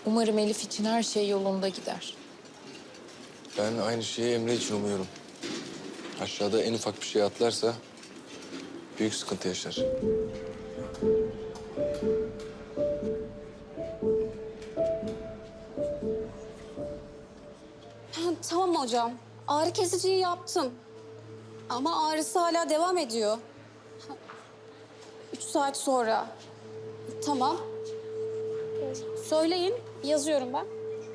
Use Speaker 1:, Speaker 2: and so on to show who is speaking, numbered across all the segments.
Speaker 1: Umarım Elif için her şey yolunda gider.
Speaker 2: Ben aynı şeyi Emre için umuyorum. Aşağıda en ufak bir şey atlarsa büyük sıkıntı yaşar.
Speaker 3: Tamam hocam. Ağrı kesiciyi yaptım. Ama ağrısı hala devam ediyor. 3 saat sonra. Tamam. Söyleyin, yazıyorum ben.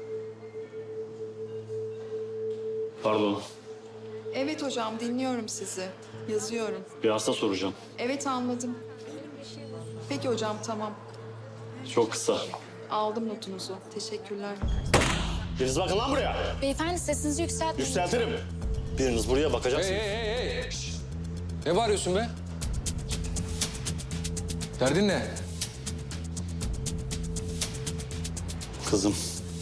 Speaker 4: Pardon,
Speaker 5: Evet hocam, dinliyorum sizi. Yazıyorum.
Speaker 4: bir hasta soracağım.
Speaker 5: Evet, anladım. Peki hocam, tamam.
Speaker 4: Çok kısa.
Speaker 5: Aldım notunuzu. Teşekkürler.
Speaker 4: Biriniz bakın lan buraya.
Speaker 3: Beyefendi sesinizi yükseltmeyin.
Speaker 4: Yükseltirim. Biriniz buraya bakacaksınız.
Speaker 2: Hey. Şişt. Ne bağırıyorsun be? Derdin ne?
Speaker 4: Kızım.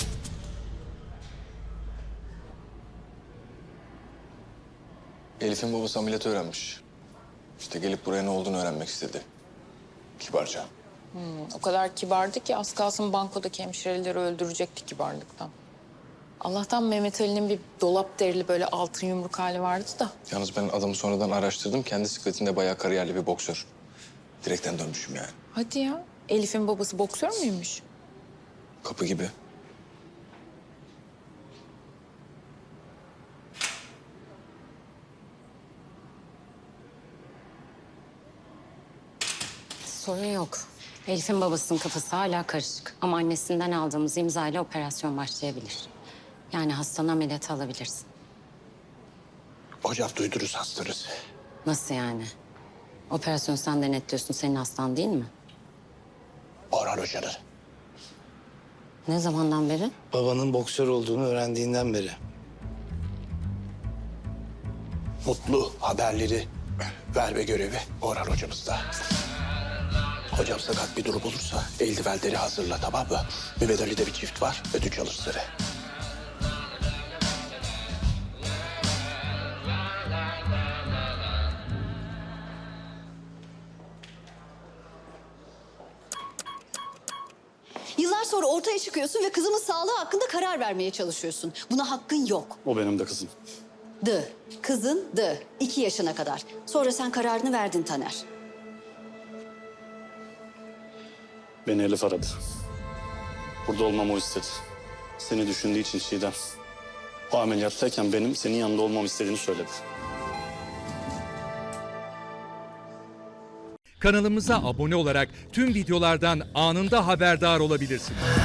Speaker 2: Elif'in babası ameliyatı öğrenmiş. İşte gelip buraya ne olduğunu öğrenmek istedi. Kibarca.
Speaker 1: O kadar kibardı ki az kalsın bankodaki hemşireleri öldürecekti kibarlıktan. Allah'tan Mehmet Ali'nin bir dolap derili böyle altın yumruk hali vardı da.
Speaker 2: Yalnız ben adamı sonradan araştırdım. Kendi sikletinde bayağı kariyerli bir boksör. Direkten dönmüşüm yani.
Speaker 1: Hadi ya. Elif'in babası boksör müymüş?
Speaker 2: Kapı gibi.
Speaker 6: Sorun yok. Elif'in babasının kafası hala karışık. Ama annesinden aldığımız imzayla operasyon başlayabilir. Yani hastanı ameliyata alabilirsin.
Speaker 7: Hocam duydunuz hastanız.
Speaker 6: Nasıl yani? Operasyonu sen denetliyorsun, senin hastan değil mi?
Speaker 7: Orhan Hoca'nın.
Speaker 6: Ne zamandan beri?
Speaker 8: Babanın boksör olduğunu öğrendiğinden beri.
Speaker 7: Mutlu haberleri verme görevi Orhan Hocamızda. Hocam sakat bir durum olursa eldivenleri hazırla, tamam mı? Mehmet Ali'de bir çift var, ödünç alır seni.
Speaker 9: Yıllar sonra ortaya çıkıyorsun ve kızımın sağlığı hakkında karar vermeye çalışıyorsun. Buna hakkın yok.
Speaker 4: O benim de kızım.
Speaker 9: Kızın 2 yaşına kadar. Sonra sen kararını verdin Taner.
Speaker 4: Beni Elif aradı. Burada olmamı o istedi. Seni düşündüğü için Çiğdem. O ameliyattayken benim senin yanında olmamı istediğini söyledi.
Speaker 10: Kanalımıza abone olarak tüm videolardan anında haberdar olabilirsiniz.